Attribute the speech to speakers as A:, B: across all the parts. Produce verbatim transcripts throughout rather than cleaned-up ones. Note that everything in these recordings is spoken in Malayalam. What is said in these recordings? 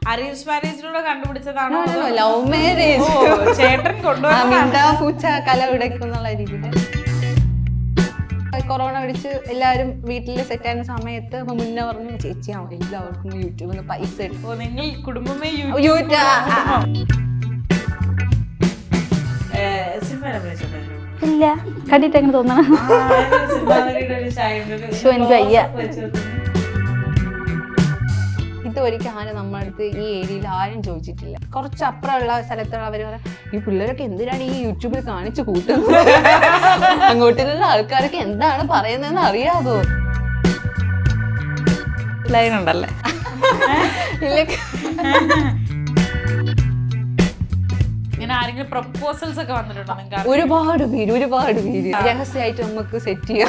A: അറേഞ്ച് മാരേജിലൂടെ കണ്ടുപിടിച്ചതാണോ
B: ലവ് മാരേജ്
A: ചേട്ടൻ കൊണ്ടുവന്ന
B: പൂച്ച കല ഉടയ്ക്കുന്നുള്ള രീതിയിൽ കൊറോണ പിടിച്ച് എല്ലാവരും വീട്ടിൽ സെറ്റ് ആയിരുന്ന സമയത്ത് മുന്നേ പറഞ്ഞു ചേച്ചി എല്ലാവർക്കും യൂട്യൂബിൽ നിന്ന് പൈസ എടുക്കും.
A: നിങ്ങൾ കുടുംബമേ
C: ഇല്ല കണ്ടിട്ട് എങ്ങനെ തോന്നണം. എനിക്ക് വയ്യ.
B: ഇത് ഒരിക്കൽ ആരും നമ്മുടെ അടുത്ത് ഈ ഏരിയയിൽ ആരും ചോദിച്ചിട്ടില്ല. കുറച്ച് അപ്പുറമുള്ള സ്ഥലത്തുള്ളവർ പറയാം ഈ പിള്ളേരൊക്കെ എന്തിനാണ് ഈ യൂട്യൂബിൽ കാണിച്ചു കൂട്ടുന്നത്, അങ്ങോട്ടുള്ള ആൾക്കാരൊക്കെ എന്താണ് പറയുന്നതെന്ന് അറിയാമോ?
A: ലൈൻ ഉണ്ടല്ലേ? ഇങ്ങനെ ആരെങ്കിലും പ്രപ്പോസൽസ് ഒക്കെ വന്നിട്ടുണ്ടോ നിങ്ങൾക്ക്?
B: ഒരുപാട് പേര് ഒരുപാട് പേര് രഹസ്യമായിട്ട് നമുക്ക് സെറ്റ് ചെയ്യാം.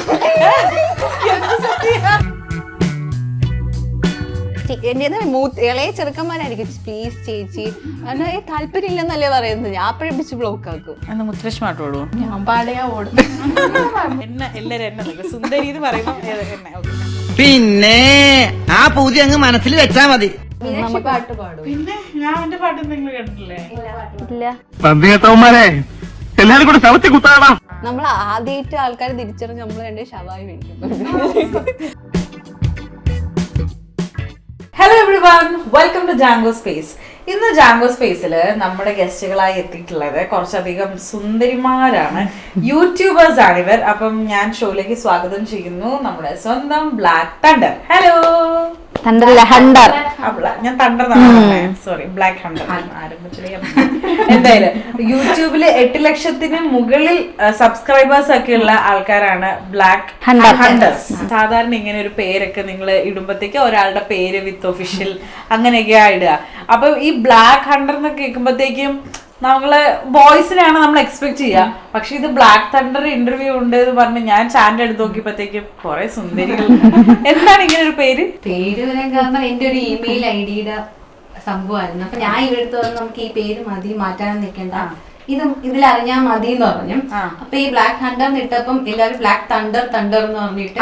B: എന്റെ മൂത്ത് ഇളയ ചെറുക്കന്മാരായിരിക്കും പ്ലീസ് ചേച്ചി കാരണം താല്പര്യം ഇല്ലെന്നല്ലേ പറയുന്നത്. ഞാൻ അപ്പഴേ പിടിച്ച് ബ്ലോക്ക് ആക്കും.
A: മുത്തലക്ഷ്മായിട്ട് ഓടും
B: ഞാൻ പാടയാ ഓടും.
A: എന്നെ എല്ലാരും എന്നെ സുന്ദരി എന്ന് പറയുമ്പോ
D: പിന്നെ ആ പൂതി അങ്ങ് മനസ്സിൽ വെച്ചാ മതി.
B: പാട്ട് പാടും.
A: പിന്നെ ഞാൻ എന്റെ പാട്ട് നിങ്ങൾ കേട്ടിട്ടില്ലേ?
C: ഇല്ല.
D: എല്ലാരും കൂടെ ശവത്തി കുത്താടാ.
B: നമ്മൾ ആദ്യമായിട്ട് ആൾക്കാരെ തിരിച്ചറിഞ്ഞ് നമ്മൾ രണ്ട് ഷവായി മേടിക്കും.
A: Hello everyone, welcome to Django space. ഇന്ന് ജാങ്കോ സ്പേസിൽ നമ്മുടെ ഗസ്റ്റുകളായി എത്തിയിട്ടുള്ളത് കുറച്ചധികം സുന്ദരിമാരാണ്, യൂട്യൂബേഴ്സ് ആണ് ഇവർ. അപ്പം ഞാൻ ഷോയിലേക്ക് സ്വാഗതം ചെയ്യുന്നു നമ്മുടെ സ്വന്തം ബ്ലാക്ക് തണ്ടർ. ഹലോ.
C: ഹണ്ടർ.
A: ഞാൻ തണ്ടർ സോറി ബ്ലാക്ക് ഹണ്ടർ ആരംഭിച്ചില്ലേ. എന്തായാലും യൂട്യൂബില് എട്ട് ലക്ഷത്തിന് മുകളിൽ സബ്സ്ക്രൈബേഴ്സ് ഒക്കെ ഉള്ള ആൾക്കാരാണ് ബ്ലാക്ക് ഹണ്ടേഴ്സ്. സാധാരണ ഇങ്ങനെ ഒരു പേരൊക്കെ നിങ്ങൾ ഇടുമ്പോഴത്തേക്ക് ഒരാളുടെ പേര് വിത്ത് ഒഫീഷ്യൽ അങ്ങനെയൊക്കെയാ ഇടുക. അപ്പൊ ഈ ബ്ലാക്ക് ഹണ്ടർ എന്നൊക്കെ കേൾക്കുമ്പോഴത്തേക്കും നമ്മള് ബോയ്സിനെയാണ് നമ്മൾ എക്സ്പെക്ട് ചെയ്യുക. പക്ഷെ ഇത് ബ്ലാക്ക് തണ്ടർ ഇന്റർവ്യൂ ഉണ്ട് എന്ന് പറഞ്ഞ് ഞാൻ ചാനൽ എടുത്ത് നോക്കിയപ്പോഴത്തേക്കും കുറെ സുന്ദരികൾ. എന്താണ് ഇങ്ങനെ ഒരു പേര്?
E: പേര് വരാൻ കാരണം എന്റെ ഒരു ഇമെയിൽ ഐ ഡിയുടെ സംഭവമായിരുന്നു. അപ്പൊ ഞാൻ ഇവരെടുത്ത് വന്ന് നമുക്ക് ഈ പേര് മതി, മാറ്റാൻ നിൽക്കണ്ട, ഇത് ഇതിലറിഞ്ഞാൽ മതി എന്ന് പറഞ്ഞു. അപ്പൊ ഈ ബ്ലാക്ക് ഹണ്ടർ ഇട്ടപ്പം എല്ലാവരും ബ്ലാക്ക് തണ്ടർ തണ്ടർ എന്ന് പറഞ്ഞിട്ട്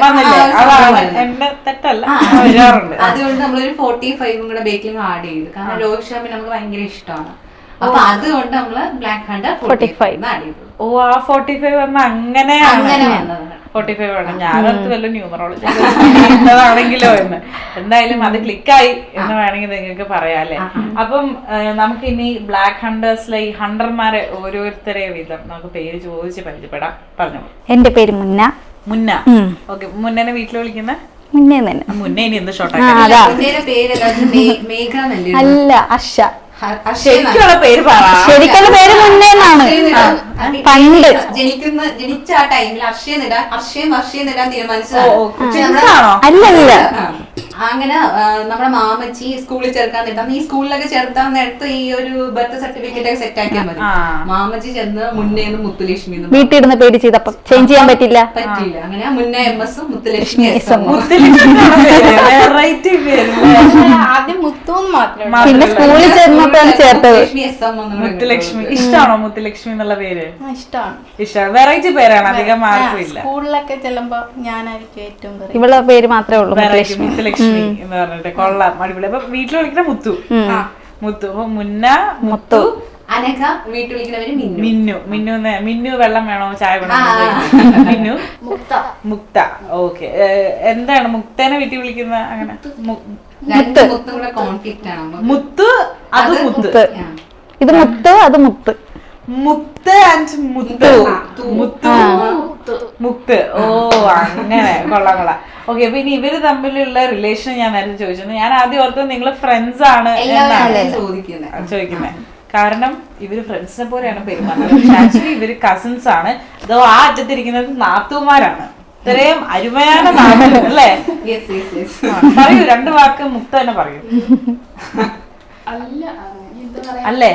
E: അതുകൊണ്ട് നമ്മളൊരു ഫോർട്ടി ഫൈവും കൂടെ ബേക്കിലും ആഡ് ചെയ്തു. കാരണം രോഹിത് ശർമ്മ നമുക്ക് ഭയങ്കര ഇഷ്ടമാണ്. അപ്പൊ അതുകൊണ്ട് നമ്മള് black hunter forty five add ചെയ്തു.
A: ഓ, ആ ഫോർട്ടി ഫൈവ് വന്ന അങ്ങനെ
E: അങ്ങനെ വന്നതാണ്.
A: ഫോർട്ടി ഫൈവ് ആണ്. ഞാനത് വല്ല ന്യൂമറോളജി എന്നതാണെങ്കിലോ എന്ന്. എന്തായാലും അത് ക്ലിക്കായി എന്ന് വേണമെങ്കിൽ നിങ്ങൾക്ക് പറയാല്ലേ. അപ്പം നമുക്ക് ഇനി ബ്ലാക്ക് ഹണ്ടേഴ്സിലെ ഈ ഹണ്ടർമാരെ ഓരോരുത്തരെ വീതം നമുക്ക് പേര് ചോദിച്ച് പരിചയപ്പെടാം. പറഞ്ഞു.
C: എന്റെ പേര് മുന്ന.
A: മുന്ന. ഓക്കെ, മുന്നനെ വീട്ടിൽ വിളിക്കുന്ന
C: മുന്നേ തന്നെ.
A: മുന്നേ ഇനി എന്ത് ഷോർട്ട്
E: പേര് മേഘ
C: അല്ല അർഷ.
A: ശരിക്കുള്ള പേര് പറ.
C: ശരിക്കുള്ള പേര് മുന്നേ എന്നാണ്. പണ്ട്
E: ജനിക്കുന്ന ജനിച്ച ആ ടൈമിൽ അർഷയെന്നിടാൻ അർഷയും വർഷയെന്നിടാൻ തീരുമാനിച്ചതാണ്.
C: അല്ലല്ല,
E: അങ്ങനെ നമ്മുടെ മാമച്ചി സ്കൂളിൽ ചേർക്കാൻ നേട്ടാ ഈ സ്കൂളിലൊക്കെ ചേർത്താൻ നേരത്ത് ഈ ഒരു ബർത്ത് സർട്ടിഫിക്കറ്റ് ഒക്കെ സെറ്റ് ആക്കിയാൽ മതി. മാമച്ചി ചെന്ന് മുന്നേന്ന് മുത്തുലക്ഷ്മി
C: വീട്ടിൽ ഇരുന്ന് പേര് ചെയ്തപ്പോ ചേഞ്ച് ചെയ്യാൻ പറ്റില്ല
E: പറ്റിയില്ല. അങ്ങനെ മുന്നേ എം എസും മുത്തുലക്ഷ്മി എസ് എം.
B: ആദ്യം മുത്തൂന്ന് മാത്രം,
C: പിന്നെ സ്കൂളിൽ ചേർന്നപ്പോഴാണ് ചേർത്തത്
A: മുത്തുലക്ഷ്മി. ഇഷ്ടമാണോ മുത്തുലക്ഷ്മി എന്നുള്ള പേര്?
B: ഇഷ്ടമാണ്.
A: ഇഷ്ടമാണ്. വെറൈറ്റി പേരാണ്, അധികം മാർക്കും ഇല്ല.
B: സ്കൂളിലൊക്കെ ചെല്ലുമ്പോ ഞാനായിരിക്കും ഏറ്റവും
C: ഇവളുടെ പേര് മാത്രമേ ഉള്ളൂ
A: മുത്തുലക്ഷ്മി എന്ന് പറഞ്ഞിട്ട്. കൊള്ളാം, അടിപൊളി. അപ്പൊ വീട്ടിൽ വിളിക്കുന്ന മുത്തു. മുത്തു. അപ്പൊ മുന്ന, മുത്തു,
E: അനഘ, വീട്ടിൽ വിളിക്കുന്നവര്
A: മിന്നു. മിന്നു മിന്നു വെള്ളം വേണോ ചായ വേണോ? മിന്നു. മുക്ത. ഓക്കെ. എന്താണ് മുക്തനെ വീട്ടിൽ വിളിക്കുന്ന? അങ്ങനെ
E: കോൺഫ്ലിക്റ്റ് ആണ്.
A: മുത്ത്, അത് മുത്ത്.
C: ഇത് മുത്ത്, അത് മുത്ത്.
A: മുത്ത് ആൻഡ് മുത്തു. മുത്തു മുത്ത്. ഓ, അങ്ങനെ. കൊള്ളാം കൊള്ളാം. ഓക്കെ. അപ്പൊ ഇനി ഇവര് തമ്മിലുള്ള റിലേഷൻ ഞാൻ നേരത്തെ ചോദിച്ചു. ഞാൻ ആദ്യം ഓർത്തത് നിങ്ങൾ ഫ്രണ്ട്സ് ആണ് എന്നാണ് ചോദിക്കുന്നത്. കാരണം ഇവര് ഫ്രണ്ട്സിനെ പോലെയാണ് പെരുമാറുന്നത്. ആക്ച്വലി ഇവര് കസിൻസ് ആണ്. അതോ ആ അറ്റത്തിരിക്കുന്നത് നാത്തൂമാരാണ്. ഇത്രയും അരുമയാണ് നാട്ടു അല്ലേ? പറയൂ, രണ്ട് വാക്ക് മുക്ത തന്നെ പറയൂ. അല്ലേ?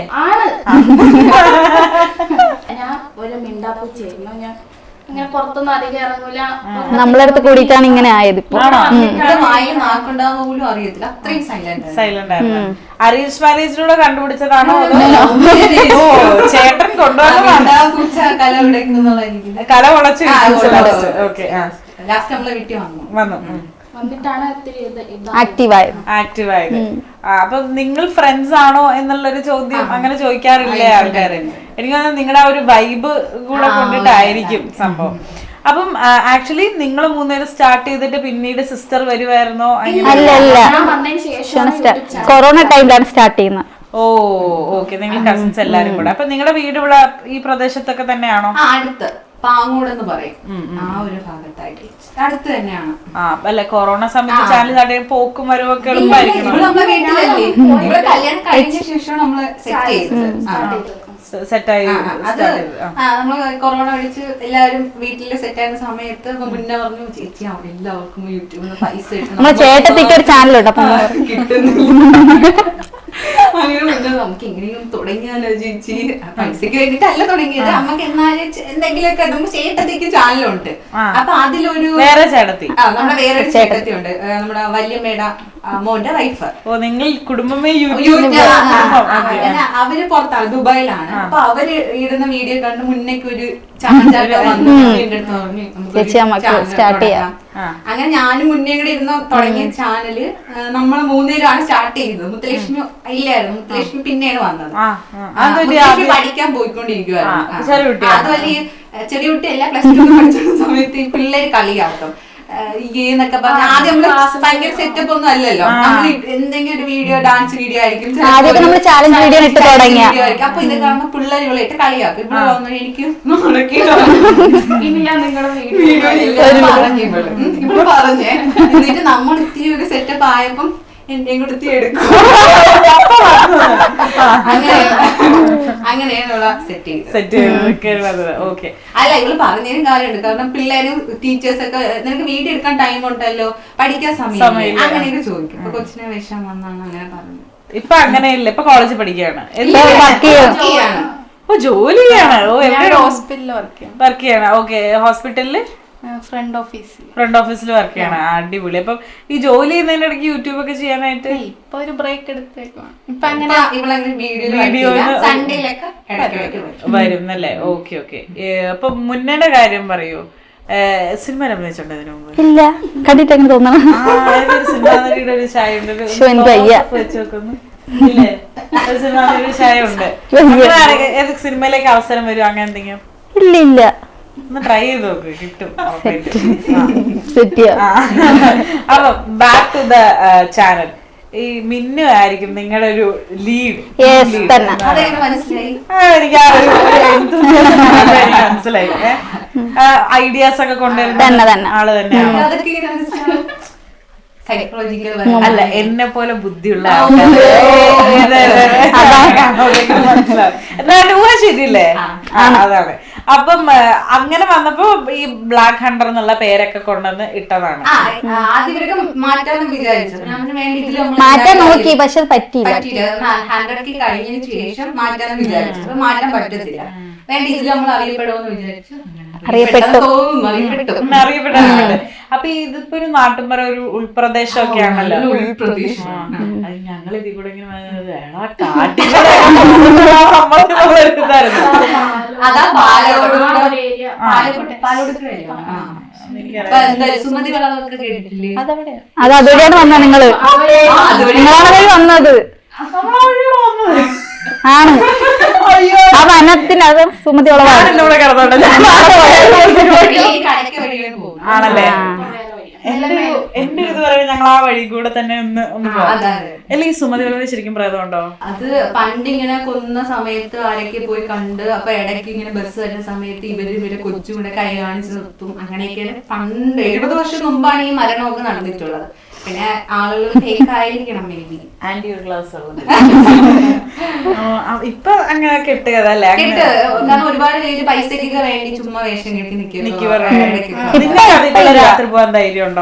F: ഞാൻ ഒരു മിണ്ടാപ്പൂച്ചായിരുന്നു. ഞാൻ ഇങ്ങനെ പുറത്തൊന്നും അധികം ഇറങ്ങൂല.
C: നമ്മളടുത്ത് കൂടിയിട്ടാണ് ഇങ്ങനെ ആയത്. ഇപ്പൊ
E: പോലും അറിയത്തില്ല, അത്രയും സൈലന്റ്
A: സൈലന്റ് ആയിരുന്നു. അറേഞ്ച് മാരേജിലൂടെ കണ്ടുപിടിച്ചതാണോ അതോ ചേട്ടൻ കൊണ്ടുവന്നതാണോ?
E: കല
A: കല വളച്ച്. ഓക്കെ.
E: ലാസ്റ്റ് നമ്മളെ വീട്ടിൽ വന്നു
A: വന്നു
F: വന്നിട്ടാണ് ഇത്തിരി ഇത് ഇതാ
C: ആക്റ്റീവായത്.
A: ആക്റ്റീവ് ആയത്. ആ, അപ്പൊ നിങ്ങൾ ഫ്രണ്ട്സ് ആണോ എന്നുള്ളൊരു ചോദ്യം അങ്ങനെ ചോദിക്കാറില്ലേ ആൾക്കാര്? എനിക്ക് തോന്നുന്നു നിങ്ങളുടെ ആ ഒരു വൈബ് കൂടെ കൊണ്ടിട്ടായിരിക്കും സംഭവം. അപ്പം ആക്ച്വലി നിങ്ങൾ മൂന്നുപേരും സ്റ്റാർട്ട് ചെയ്തിട്ട് പിന്നീട് സിസ്റ്റർ വരുമായിരുന്നോ?
C: അല്ല അല്ല,
F: ഞാൻ വന്നതിന് ശേഷം
C: കൊറോണ ടൈമിലാണ് സ്റ്റാർട്ട് ചെയ്യുന്നത്.
A: ഓ ഓക്കെ, നിങ്ങൾ കസിൻസ് എല്ലാരും കൂടെ. അപ്പൊ നിങ്ങളുടെ വീട് ഇവിടെ ഈ പ്രദേശത്തൊക്കെ തന്നെയാണോ?
E: ആ, അടുത്ത് പാങ്ങോട് എന്ന് പറയും, ആ ഒരു ഭാഗത്തായിട്ട് അടുത്ത് തന്നെയാണ്.
A: ആ, അല്ലെ കൊറോണ സമയത്ത് ചാനൽ ചാടിയ പോക്കും വരവും ഒക്കെ എളുപ്പമായിരിക്കും.
E: ഇവിടെ നമ്മളെ വീട്ടിലല്ലേ, ഇവിടെ കല്യാണം കഴിഞ്ഞ ശേഷം നമ്മള് സെറ്റ് ചെയ്തത്.
A: സെറ്റായി
E: അത് നമ്മള് കൊറോണ അടിച്ച് എല്ലാവരും വീട്ടില് സെറ്റ് ആയിരുന്ന സമയത്ത് മുന്നേ പറഞ്ഞു, ചേച്ചി അവിടെ എല്ലാവർക്കും യൂട്യൂബിൽ നിന്ന് പൈസ
C: നമ്മളെ ചേട്ടത്തിക്ക് ഒരു ചാനലുണ്ട്, അപ്പൊ
E: കിട്ടുന്നില്ല. അങ്ങനെ മുന്നേ നമുക്ക് എങ്ങനെയും തുടങ്ങിയാലോ ചേച്ചി, പൈസക്ക് വേണ്ടിട്ടല്ല തുടങ്ങിയത്, നമുക്ക് എന്നാലും എന്തെങ്കിലുമൊക്കെ നമുക്ക് ചേട്ടത്തിക്ക് ചാനലുണ്ട്. അപ്പൊ അതിലൊരു
A: വേറെ ചേട്ടത്തി,
E: ആ നമ്മുടെ വേറൊരു ചേട്ടത്തി ഉണ്ട്, നമ്മുടെ വല്യമ്മേട മോന്റെ വൈഫ്.
A: ഓ, നിങ്ങൾ കുടുംബമേ
E: അവര് പുറത്താണ്, ദുബായിലാണ്. അപ്പൊ അവര് ഇടുന്ന വീഡിയോ കണ്ട് മുന്നേക്ക് ഒരു ചാനൽ വന്നു സ്റ്റാർട്ട് ചെയ്യാം. അങ്ങനെ ഞാനും മുന്നേ കൂടെ ഇരുന്ന് തുടങ്ങിയ ചാനല് നമ്മള് മൂന്നുപേരാണ് സ്റ്റാർട്ട് ചെയ്തത്. മുത്തലക്ഷ്മി ഇല്ലായിരുന്നു, മുത്തലക്ഷ്മി പിന്നെയാണ് വന്നത്. മുത്തലക്ഷ്മി പഠിക്കാൻ പോയിക്കൊണ്ടിരിക്കുവായിരുന്നു. അതുമല്ല ഈ ചെറിയ കുട്ടിയല്ല, പ്ലസ് ടു പഠിച്ചിരുന്ന സമയത്ത് ഈ പിള്ളേര് കളിയാക്കും എന്നൊക്കെ പറഞ്ഞ. ആദ്യം നമ്മള് ഭയങ്കര സെറ്റപ്പ് ഒന്നും അല്ലല്ലോ, നമ്മള് എന്തെങ്കിലും ഒരു വീഡിയോ, ഡാൻസ് വീഡിയോ ആയിരിക്കും,
C: ചാലഞ്ച് വീഡിയോ ഇട്ട് തുടങ്ങിയ.
E: അപ്പൊ ഇത് കാണുമ്പോ പിള്ളേർ ഇവിടെ ഇട്ട് കളിയാക്കും. ഇവിടെ വന്നു എനിക്ക്
F: ഇനി ഞാൻ നിങ്ങളുടെ
E: വീഡിയോ പറഞ്ഞു ഇവിടെ പറഞ്ഞേ. എന്നിട്ട് നമ്മൾ ഇത്തിരി ഒരു സെറ്റപ്പ് ആയപ്പം എന്റെയും കൂടെ ഇത്തിരി എടുക്കും. അങ്ങനെ അങ്ങനെയാണുള്ള സെറ്റ്
A: സെറ്റ് ഓക്കെ.
E: അല്ല, ഇവള് പറഞ്ഞതിനും കാര്യമുണ്ട്. കാരണം പിള്ളേരും ടീച്ചേഴ്സ് ഒക്കെ നിനക്ക് വീഡിയോ എടുക്കാൻ ടൈം ഉണ്ടല്ലോ, പഠിക്കാൻ സമയം അങ്ങനെയൊക്കെ ചോദിക്കും. അപ്പൊ കൊച്ചിനെ വിഷം വന്നാണ് അങ്ങനെ പറഞ്ഞത്.
A: ഇപ്പൊ അങ്ങനെയില്ല, ഇപ്പൊ കോളേജിൽ പഠിക്കുകയാണ്.
E: ചെയ്യാണ്.
A: ഓ, ജോലി ചെയ്യാണ്. ഓ,
F: ഹോസ്പിറ്റലിൽ വർക്ക് ചെയ്യാം.
A: വർക്ക് ചെയ്യണം. ഓക്കെ, ഹോസ്പിറ്റലില്
F: ഫ്രണ്ട് ഓഫീസിൽ
A: ഫ്രണ്ട് ഓഫീസിൽ വർക്ക് ചെയ്യണം. അടിപൊളി. അപ്പം ഈ ജോലി ചെയ്യുന്നതിന്റെ ഇടയ്ക്ക് യൂട്യൂബ് ഒക്കെ ചെയ്യാനായിട്ട്
F: ഇപ്പൊ ഒരു ബ്രേക്ക് എടുത്തേക്കാണ്. ഇപ്പൊ അങ്ങനെ
E: വീഡിയോ സൺഡേയിലൊക്കെ
A: വരും എന്നല്ലേ? Okay okay. അപ്പൊ മുന്നേടെ കാര്യം പറയൂ. സിനിമ അഭിനയിച്ചിട്ടുണ്ട് ഇതിനു മുമ്പ്?
C: ഇല്ല, കണ്ടിട്ട് എങ്ങനെ തോന്നണം.
A: സിനിമാ നടിയുടെ ഒരു ചായ ഉണ്ട്, വെച്ച് നോക്കുന്നു. ഇല്ലേ, ഒരു സിനിമാ നടിയുടെ ചായ ഉണ്ട്. ഏത് സിനിമയിലേക്ക് അവസരം വരും അങ്ങനെ എന്തെങ്കിലും?
C: ഇല്ല ഇല്ല,
A: ഒന്ന് ട്രൈ ചെയ്ത് നോക്ക്, കിട്ടും. അപ്പൊ ബാക്ക് ടു ദ ചാനൽ. ഈ മിന്നു ആയിരിക്കും നിങ്ങളുടെ ഒരു ലീഡ്.
E: മനസ്സിലായി.
A: എനിക്ക് ആ ഒരു മനസ്സിലായി. ഐഡിയാസ് ഒക്കെ കൊണ്ടുവരുന്ന ആള് തന്നെയാണ്. അല്ല, എന്നെ പോലെ ബുദ്ധിയുള്ള ശരിയല്ലേ? അതാണ്. അപ്പം അങ്ങനെ വന്നപ്പോ ഈ ബ്ലാക്ക് ഹണ്ടർ എന്നുള്ള പേരൊക്കെ കൊണ്ടുവന്ന് ഇട്ടതാണ്.
C: മാറ്റാൻ നോക്കി, പക്ഷെ പറ്റിയില്ല.
E: ഹൺഡ്രഡ് കഴിഞ്ഞതിന് ശേഷം മാറ്റാൻ വിചാരിച്ചു, മാറ്റാൻ പറ്റത്തില്ല. വേണ്ട, ഇതിൽ നമ്മൾ അറിയപ്പെടുമെന്ന് വിചാരിച്ചു.
C: അറിയപ്പെട്ടു
A: അറിയപ്പെട്ടിട്ടുണ്ട്. അപ്പൊ ഇതിപ്പോ ഒരു നാട്ടുമ്പറ, ഒരു ഉൾപ്രദേശമൊക്കെ ആണല്ലോ.
E: ഉൾപ്രദേശം
A: ഞങ്ങൾ ഇതിൽ കൂടെ ഇങ്ങനെ
E: അതാ പാലോട് സുമതി കളവൊക്കെ കേട്ടിട്ടില്ലേ?
C: അത് അതുവഴിയാണ് വന്നത്. നിങ്ങള് നിങ്ങളാണ് വന്നത്. ആണ് ആ വനത്തിന്, അത് സുമതി ഉളവാണ്.
A: ആണല്ലേ? എന്റെ ഇത് പറയുന്നത് ഞങ്ങൾ ആ വഴി കൂടെ തന്നെ ഒന്ന് ഒന്ന് പോകാം. അല്ലെങ്കിൽ സുമതി വളവ് ശരിക്കും പ്രേതമുണ്ടോ?
E: അത് പണ്ട് ഇങ്ങനെ കൊന്ന സമയത്ത് ആരൊക്കെ പോയി കണ്ട്, അപ്പൊ ഇടയ്ക്ക് ഇങ്ങനെ ബസ് വരുന്ന സമയത്ത് ഇവര് ഇവരെ കൊച്ചു കൂടെ കൈ കാണിച്ച് നിർത്തും. അങ്ങനെയൊക്കെയാണ് പണ്ട് എഴുപത് വർഷം മുമ്പാണ് ഈ മരണമൊക്കെ നടന്നിട്ടുള്ളത്. പിന്നെ ആളുകൾ ഫേക്ക് ആയിരിക്കണം, മേ ബി
A: ആന്റി ക്ലാസ് ഇപ്പൊ അങ്ങനെ കെട്ടുകതല്ലേ?
E: കാരണം ഒരുപാട് പേര് പൈസക്കൊക്കെ വേണ്ടി ചുമ്മാ വേഷം കെട്ടി നിൽക്കും.
A: രാത്രി പോകാൻ ധൈര്യം ഉണ്ടോ?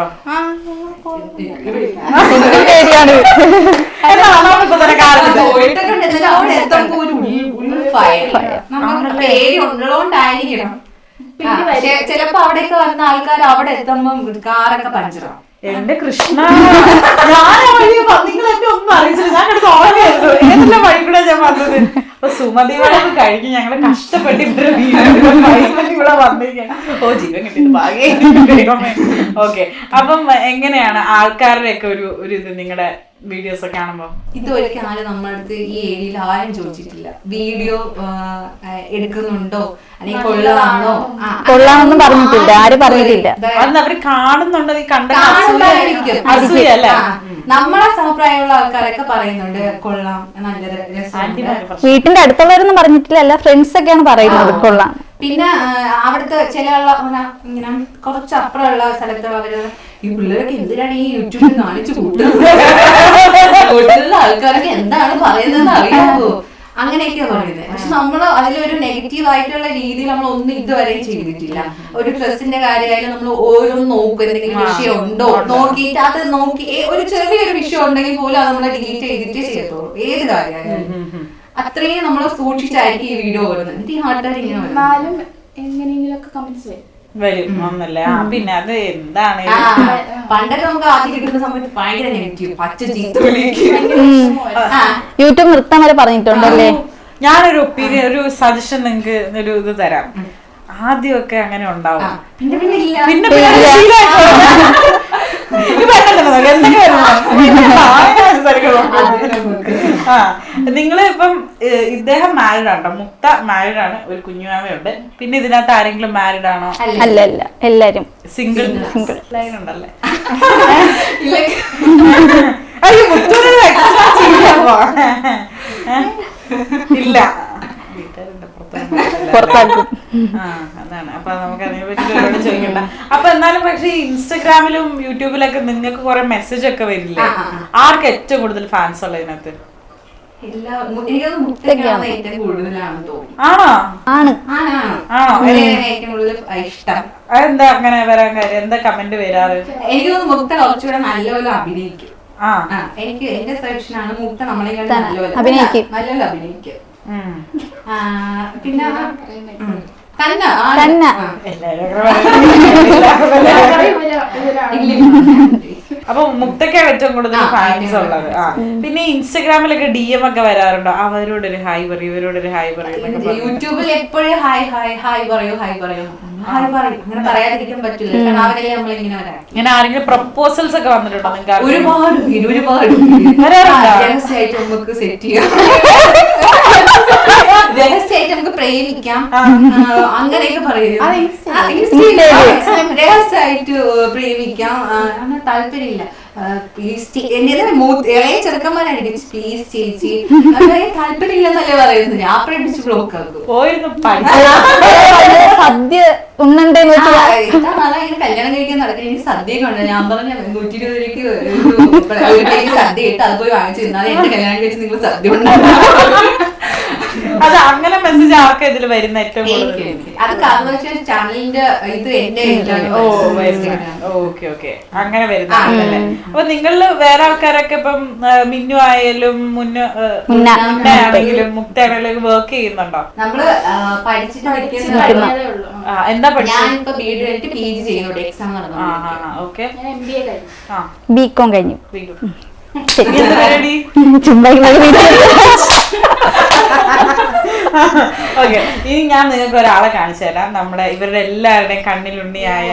E: പേര് ഉള്ളതുകൊണ്ടായിരിക്കണം. ചിലപ്പോ അവിടെയൊക്കെ വരുന്ന ആൾക്കാർ അവിടെ എത്തുമ്പോ കാറൊക്കെ പഞ്ചറാവും.
A: എന്റെ കൃഷ്ണ, ഞാൻ നിങ്ങൾ എന്നെ ഒന്നും അറിയിച്ചില്ല. ഞാൻ എടുത്ത് ഓർമ്മയായിരുന്നു ഏതെല്ലാം വഴി കൂടെ ഞാൻ വന്നത്. അപ്പൊ സുമ സുമതി വളവ് കഴിഞ്ഞ് ഞങ്ങള് കഷ്ടപ്പെട്ട് ഇവിടെ ഇവിടെ വന്നിരിക്കുകയാണ്. ഓ ജീവൻ കിട്ടിയത് ഭാഗ്യമായി. ഓക്കെ, അപ്പം എങ്ങനെയാണ് ആൾക്കാരുടെ ഒക്കെ ഒരു ഒരു ഇത് നിങ്ങളുടെ വീഡിയോസ് ഒക്കെ കാണുമ്പോ?
E: ഇതുവരെയ്ക്ക് ആരും നമ്മുടെ അടുത്ത് ഈ ഏരിയയിൽ ആരും ചോദിച്ചിട്ടില്ല വീഡിയോ എടുക്കുന്നുണ്ടോ അല്ലെങ്കിൽ കൊള്ളാണോ.
C: കൊള്ളാമെന്നും പറഞ്ഞിട്ടില്ല, ആരും പറഞ്ഞിട്ടില്ല.
A: അന്ന് അവര് കാണുന്നുണ്ടോ ഈ കണ്ട
E: അല്ലേ? നമ്മളെ സമപ്രായമുള്ള ആൾക്കാരൊക്കെ പറയുന്നുണ്ട് കൊള്ളാം, നല്ല രസം.
C: വീട്ടിന്റെ അടുത്തുള്ളവരൊന്നും പറഞ്ഞിട്ടില്ല, അല്ല ഫ്രണ്ട്സ് ഒക്കെയാണ് പറയുന്നത് കൊള്ളാം.
E: പിന്നെ അവിടുത്തെ ചില ഇങ്ങനെ കുറച്ച് അപ്പുറമുള്ള സ്ഥലത്തുള്ളവര് ഈ പിള്ളേരൊക്കെ എന്തിനാണ് ഈ യൂട്യൂബിൽ കാണിച്ചു കൂട്ടുന്നത്, വീട്ടിലുള്ള ആൾക്കാരൊക്കെ എന്താണ് പറയുന്നത് അറിയാമോ, അങ്ങനെയൊക്കെയാ പറയുന്നത്. പക്ഷെ നമ്മൾ അതിലൊരു നെഗറ്റീവ് ആയിട്ടുള്ള രീതിയിൽ നമ്മൾ ഒന്നും ഇതുവരെ ചെയ്തിട്ടില്ല. ഒരു ഡ്രസ്സിന്റെ കാര്യമായാലും നമ്മൾ ഓരോന്നും നോക്കും, എന്തെങ്കിലും വിഷയം ഉണ്ടോ നോക്കിയിട്ട് അത് നോക്കി ഒരു ചെറിയൊരു വിഷയം ഉണ്ടെങ്കിൽ പോലും അത് നമ്മൾ ഡിലീറ്റ് ചെയ്തിട്ടേ ചെയ്യത്തുള്ളൂ. ഏത് കാര്യമായാലും അത്രയും നമ്മൾ സൂക്ഷിച്ചായിരിക്കും ഈ വീഡിയോ വരുന്നത്. എന്നിട്ട് ഈ നാട്ടുകാർ ഇങ്ങനെ
F: എങ്ങനെയെങ്കിലൊക്കെ കമന്റ്സ് വരും
A: വരും ഒന്നല്ലേ. ആ പിന്നെ അത് എന്താണ്
E: പണ്ടൊക്കെ നമുക്ക് ആദ്യം കിട്ടുന്ന സമയത്ത് ഭയങ്കര നെഗറ്റീവ് പച്ച ചീത്ത
C: യൂട്യൂബ് നിർത്താൻ വരെ പറഞ്ഞിട്ടുണ്ടല്ലേ.
A: ഞാനൊരു ഒപ്പീനിയൻ ഒരു സജഷൻ നിങ്ങക്ക് ഒരു ഇത് തരാം. ആദ്യമൊക്കെ അങ്ങനെ ഉണ്ടാവും,
E: പിന്നെ പിന്നെ ഇല്ല
A: പിന്നെ ആ നിങ്ങള് ഇപ്പം ഇദ്ദേഹം മാരീഡ് ആണോ? മുക്ത മാരീഡ് ആണ്, ഒരു കുഞ്ഞുമാമയുണ്ട്. പിന്നെ ഇതിനകത്ത് ആരെങ്കിലും മാരീഡ് ആണോ?
C: അല്ല അല്ല, എല്ലാരും
A: സിംഗിൾ സിംഗിൾ ലൈൻ ഉണ്ടല്ലേ? അയ്യോ മുത്തൂര് ഇല്ല,
C: പുറത്താക്കും.
A: ആ അതാണ്. അപ്പൊ നമുക്ക് അതിനെ പറ്റി ഒരുപാട് ചോദിക്കണ്ട. അപ്പൊ എന്നാലും പക്ഷെ ഇൻസ്റ്റഗ്രാമിലും യൂട്യൂബിലൊക്കെ നിങ്ങൾക്ക് കുറെ മെസ്സേജ് ഒക്കെ വരില്ലേ? ആർക്ക് ഏറ്റവും കൂടുതൽ ഫാൻസ് ഉള്ളത് ഇതിനകത്ത്? ആണോ?
C: ആണ്
A: ആണോ?
E: ഏറ്റവും കൂടുതൽ ഇഷ്ടം.
A: അതെന്താ അങ്ങനെ വരാൻ കാര്യം? എന്താ കമന്റ് വരാറ്?
E: എനിക്ക് മുക്ത കുറച്ചുകൂടെ നല്ലപോലെ അഭിനയിക്കും. ആ എനിക്ക് എന്റെ സെലക്ഷനാണ് മുക്ത നമ്മളെ നല്ലപോലെ
C: അഭിനയിക്കും,
E: നല്ലപോലെ അഭിനയിക്കും. പിന്നെ
A: അപ്പൊ മുക്തക്കാണ് ഏറ്റവും കൂടുതൽ ഫാൻസ് ഉള്ളത്. ആ പിന്നെ ഇൻസ്റ്റഗ്രാമിലൊക്കെ ഡി എം ഒക്കെ വരാറുണ്ടോ? അവരോടൊരു ഹായ് പറയൂ, ഇവരോടൊരു ഹായ് പറയൂ.
E: യൂട്യൂബിൽ എപ്പോഴും ഹായ് ഹായ് ഹായ് പറയൂ ഹായ് പറയൂ ഹായ് പറയും. അങ്ങനെ പറയാതിരിക്കാൻ പറ്റില്ല, കാരണം അവരെല്ലാം നമ്മളിങ്ങനെ വരാം.
A: ഇങ്ങനെ ആരെങ്കിലും പ്രപ്പോസൽസ് ഒക്കെ വന്നിട്ടുണ്ടോ നിങ്ങൾക്ക്?
E: ഒരുപാട് ഒരുപാട് രഹസ്യമായിട്ട് നമുക്ക് സെറ്റ് ചെയ്യാം, രഹസ്യമായിട്ട് നമുക്ക് പ്രേമിക്കാം, അങ്ങനെയൊക്കെ പറയും. രഹസ്യമായിട്ട് പ്രേമിക്കാം, അങ്ങനെ താല്പര്യമില്ല. ഇളയ ചെറുക്കന്മാരായിരിക്കും പ്ലീസ് ചേച്ചി, താല്പര്യമില്ലെന്നല്ലേ പറയുന്നത്. ഞാൻ പ്രേമിച്ച് ബ്ലോക്ക് ആക്കും.
C: സദ്യ ഉണ്ണണ്ടേന്ന്
E: ഇത്ര നാളെ ഇങ്ങനെ കല്യാണം കഴിക്കാൻ നടക്കുന്ന എനിക്ക് സദ്യയൊക്കെ ഉണ്ട്. ഞാൻ പറഞ്ഞ നൂറ്റി ഇരുപത് രൂപയ്ക്ക് സദ്യ ഇട്ട് അത് പോയി വാങ്ങിച്ചു തിന്നാൽ എന്റെ കല്യാണം കഴിച്ച് നിങ്ങൾ സദ്യ ഉണ്ടാകും.
A: അത് അങ്ങനെ മെസ്സേജ് ആർക്ക് ഇതിൽ വരുന്ന ഏറ്റവും
E: അത് കാരണം ചാനലിന്റെ ഇത് എന്റെ
A: ഓക്കെ ഓക്കെ അങ്ങനെ വരുന്നല്ലേ. അപ്പൊ നിങ്ങളില് വേറെ ആൾക്കാരൊക്കെ ഇപ്പം മിന്നു ആയാലും മുന്നാണെങ്കിലും മുക്തയാണെങ്കിലും വർക്ക് ചെയ്യുന്നുണ്ടോ?
E: നമ്മള് പഠിച്ചിട്ട്
A: എന്താ പഠിച്ചത്?
E: ഞാനിപ്പോ ബി എഡ് കഴിഞ്ഞിട്ട് പി ജി ചെയ്യുന്നുണ്ട്. എക്സാം നടന്നു.
A: ഓക്കെ,
C: ബികോം കഴിഞ്ഞു.
A: ഓക്കെ, ഇനി ഞാൻ നിങ്ങൾക്ക് ഒരാളെ കാണിച്ചു തരാം. നമ്മുടെ ഇവരുടെ എല്ലാവരുടെയും കണ്ണിലുണ്ണിയായ.